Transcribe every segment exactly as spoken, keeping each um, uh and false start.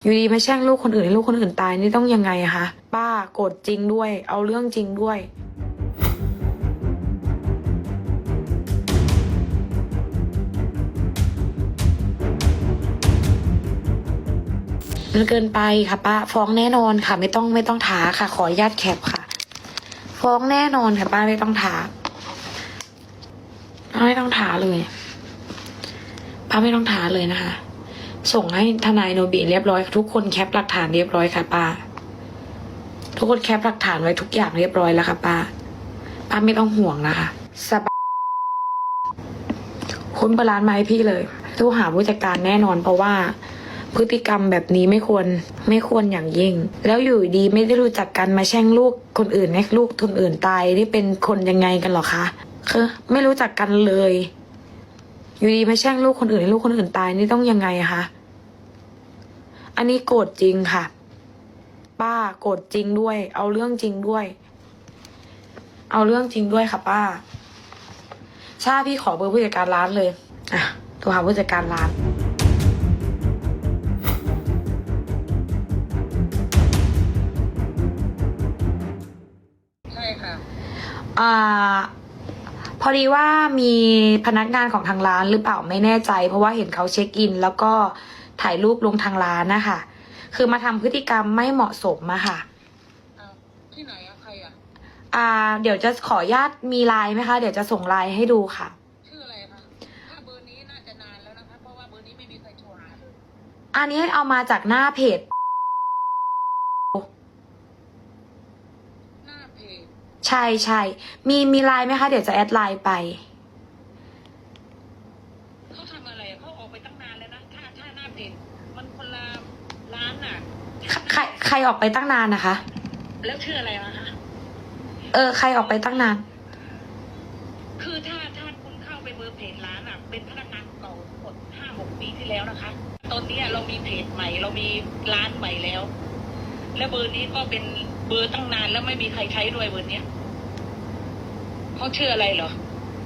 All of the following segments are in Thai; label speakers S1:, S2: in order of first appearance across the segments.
S1: อยู่ดีมาแช่งลูกคนอื่นให้ลูกคนอื่นตายนี่ต้องยังไงอะคะป้าโกรธจริงด้วย เอาเรื่องจริงด้วยมันเกินไปค่ะป้าฟ้องแน่นอนค่ะ ไม่ต้องไม่ต้องท้าค่ะ ขออนุญาตแคปค่ะ ฟ้องแน่นอนค่ะป้าไม่ต้องท้าไม่ต้องท้าเลยป้าไม่ต้องท้าเลยนะคะส่งให้ทนายโนบิเรียบร้อยทุกคนแคปหลักฐานเรียบร้อยค่ะป้าทุกคนแคปหลักฐานไว้ทุกอย่างเรียบร้อยแล้วค่ะป้าป้าไม่ต้องห่วงนะคะสบายค้นประร้านมาให้พี่เลยโทรหาผู้จัดการแน่นอนเพราะว่าพฤติกรรมแบบนี้ไม่ควรไม่ควรอย่างยิ่งแล้วอยู่ดีไม่ได้รู้จักกันมาแช่งลูกคนอื่นให้ลูกคนอื่นตายนี่เป็นคนยังไงกันหรอคะคือไม่รู้จักกันเลยอยู่ดีมาแช่งลูกคนอื่นให้ลูกคนอื่นตายนี่ต้องยังไงอะคะอันนี้โกรธจริงค่ะป้าโกรธจริงด้วย เอาเรื่องจริงด้วย เอาเรื่องจริงด้วยค่ะป้าชาพี่ขอเบอร์ผู้จัดการร้านเลยอ่ะโทรหาผู้จัดการร้าน
S2: ใช่ค่ะ
S1: อ่าพอดีว่ามีพนักงานของทางร้านหรือเปล่าไม่แน่ใจเพราะว่าเห็นเขาเช็คอินแล้วก็ถ่ายรูปลงทางร้านนะคะคือมาทำพฤติกรรมไม่เหมาะสมอะค่ะ
S2: ที่ไหนอะใครอะ
S1: อ่าเดี๋ยวจะขออนุญาตมีไลน์ไหมคะเดี๋ยวจะส่งไลน์ให้ดูค่ะ
S2: ชื่ออะไรคะถ้าเบอร์นี้น่าจะนานแล้วนะคะเพราะว่าเบอร์นี้ไม่มีใครโทรหาเลย
S1: อันนี้เอามาจากหน้าเพจ
S2: หน้าเพจ
S1: ใช่ใช่มีมีไลน์ไหมคะเดี๋ยวจะแอดไลน์ไป
S2: เขาทำอะไรเขาออกไปตั้งนานแล้วนะถ้าถ้าหน้าเพจมันคนละร้านน่ะ
S1: ใครใครออกไปตั้งนานนะคะ
S2: แล้วชื่ออะไรนะคะ
S1: เออใครออกไปตั้งนาน
S2: คือถ้าถ้าคุณเข้าไปเบอร์เพจร้านอะเป็นพนักงานเก่าหมดห้าหกปีที่แล้วนะคะตอนนี้เรามีเพจใหม่เรามีร้านใหม่แล้วแล้วเบอร์นี้ก็เป็นเบอร์ตั้งนานแล้วไม่มีใครใช้ด้วยเบอร์เนี้ยเขาชื่ออะไรเหรอ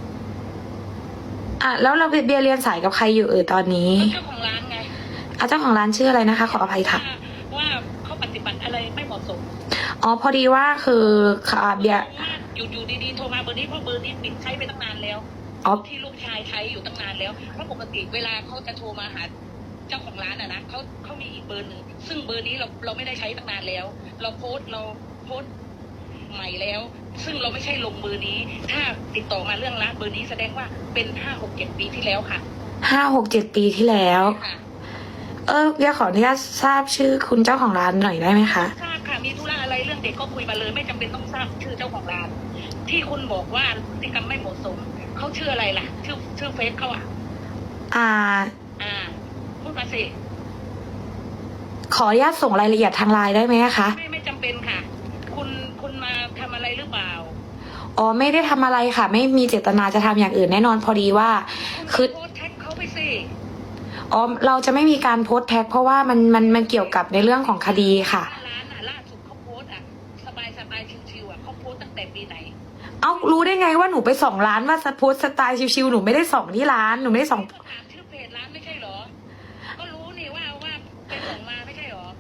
S1: อ่ะแล้วเราเบียร์เรียนสายกับใครอยู่เออตอนนี้
S2: เจ้าของร้านไง
S1: อ่ะเจ้าของร้านชื่ออะไรนะคะขออภัยค่ะ
S2: ว่าเขาปฏิบัติอะไรไม่เหมาะสม
S1: อ๋อพอดีว่าคือค่ะเบียร์
S2: อยู่อยู่ดีๆโทรมาเบอร์นี้เพราะเบอร์นี้ปิดใช้ไปตั้งนานแล้ว
S1: อ๋อ
S2: ที่ลูกชายใช้อยู่ตั้งนานแล้วเพราะปกติเวลาเขาจะโทรมาหาเจ้าของร้านอะนะเขาเขามีอีกเบอร์หนึ่งซึ่งเบอร์นี้เราเราไม่ได้ใช้ตั้งนานแล้ว เราโพสต์เราโพสต์ใหม่แล้วซึ่งเราไม่ใช่ลงเบอร์นี้ถ้าติดต่อมาเรื่องร้านเบอร์นี้แสดงว่าเป็นห้าหกเจ็ดปีที่แล้วค่ะ
S1: ห้าหกเจ็ดปีที่แล้วเออเบียร์ขออนุญาตทราบชื่อคุณเจ้าของร้านหน่อยได้ไหมคะ
S2: ทราบค่ะมีธุระอะไรเรื่องเด็กก็คุยมาเลยไม่จำเป็นต้องทราบชื่อเจ้าของร้านที่คุณบอกว่าพฤติกรรมไม่เหมาะสมเขาชื่ออะไรล่ะชื่อชื่อเฟซเขาอ่ะ
S1: อ่า
S2: อ่าพูดมาสิ
S1: ขออนุญาตส่งรายละเอียดทางไลน์ได้ไหมคะ
S2: ไม่ไม่จำเป็นค่ะคุณคุณมาทำอะไรหรือเปล่า
S1: อ๋อไม่ได้ทำอะไรค่ะไม่มีเจตนาจะทำอย่างอื่นแน่นอนพอดีว่าคือ
S2: โพสแท็กเขาไปสิ
S1: อ๋อเราจะไม่มีการโพสต์แท็กเพราะว่ามันมันมันเกี่ยวกับในเรื่องของคดีค่ะ
S2: ร้านอ่ะล่าสุดเขาโพสอ่ะสบายสบายชิวๆอ่ะเขาโพสตั้งแต่ปีไหน
S1: เอ้ารู้ได้ไงว่าหนูไปส่องร้านว่าโพสสไตล์ชิวๆหนูไม่ได้ส่องที่ร้านหนูไม่ได้ส่อง
S2: ถามชื่อเพจร้านไม่ใช่หรอก็รู้นี่ว่าว่าไปส่งมาไม่ใช่หรอ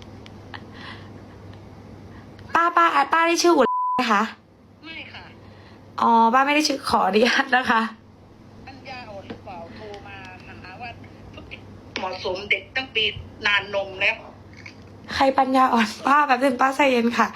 S1: ป้าป้าป้าได้ชื่ออุ่นไหมคะ
S2: ไม่ค่ะ
S1: อ๋อป้าไม่ได้ชื่อขออนุญาตนะคะ
S2: ปัญญาอ่อนหรือเปล่าโทรมาหาว่าเหมาะสมเด็กตั้งปีนานนมแล้ว
S1: ใครปัญญาอ่อนป้าแบบนึงป้าใจเย็นค่ะ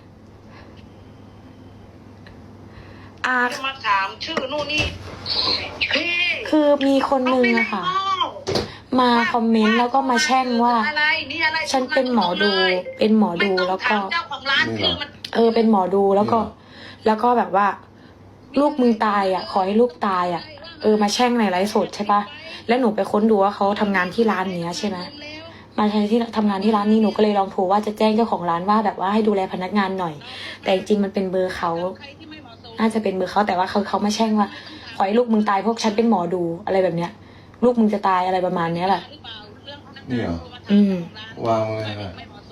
S1: อ่า
S2: มาถามชื่อนู่นนี่
S1: คือมีคนนึงอะค่ะมาคอมเมนต์แล้วก็มาแช่งว่าฉันเป็นหมอดูเป็นหมอดูแล้วก็เออเป็นหมอดูแล้วก็แล้วก็แบบว่าลูกมึงตายอ่ะขอให้ลูกตายอ่ะเออมาแช่งในไลฟ์สดใช่ปะแล้วหนูไปค้นดูว่าเขาทำงานที่ร้านเนี้ยใช่ไหมมาใช้ที่ทำงานที่ร้านนี้หนูก็เลยลองโทรว่าจะแจ้งเจ้าของร้านว่าแบบว่าให้ดูแลพนักงานหน่อยแต่จริงมันเป็นเบอร์เขาน่าจะเป็นเบอร์เขาแต่ว่าเขาเขามาแช่งว่าขอให้ลูกมึงตายพวกฉันเป็นหมอดูอะไรแบบเนี้ยลูกมึงจะตายอะไรประมาณเนี้ยแหละ
S3: นี่เหรอ
S1: อืม
S3: วางไว้ค่ะ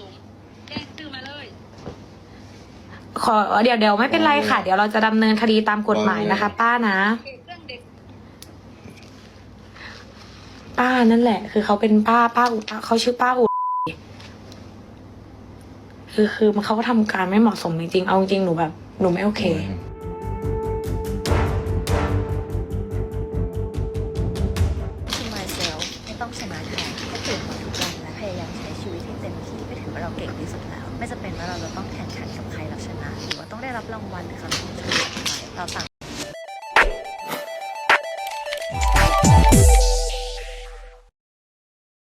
S1: ขอเดี๋ยวเดี๋ยวไม่เป็นไรค่ะเดี๋ยวเราจะดำเนินคดีตามกฎหมายนะคะป้านะป้านั่นแหละคือเขาเป็นป้าป้าอุเขาชื่อป้าอุคือคือมันเขาก็ทำการไม่เหมาะสมจริงๆเอาจริงๆหนูแบบหนูไม่โอเค
S4: to myself ไม่ต้องชนะใครแค่ตื่นมาทุกวันและพยายามใช้ชีวิตให้เต็มที่ก็ถือว่าเราเก่งที่สุดแล้ว ไม่จำเป็นว่าเราจะต้องแข่งขันกับใครแล้วชนะหรือว่าต้องได้รับรางวัลหรือคำชมเชยจากใครเราต่าง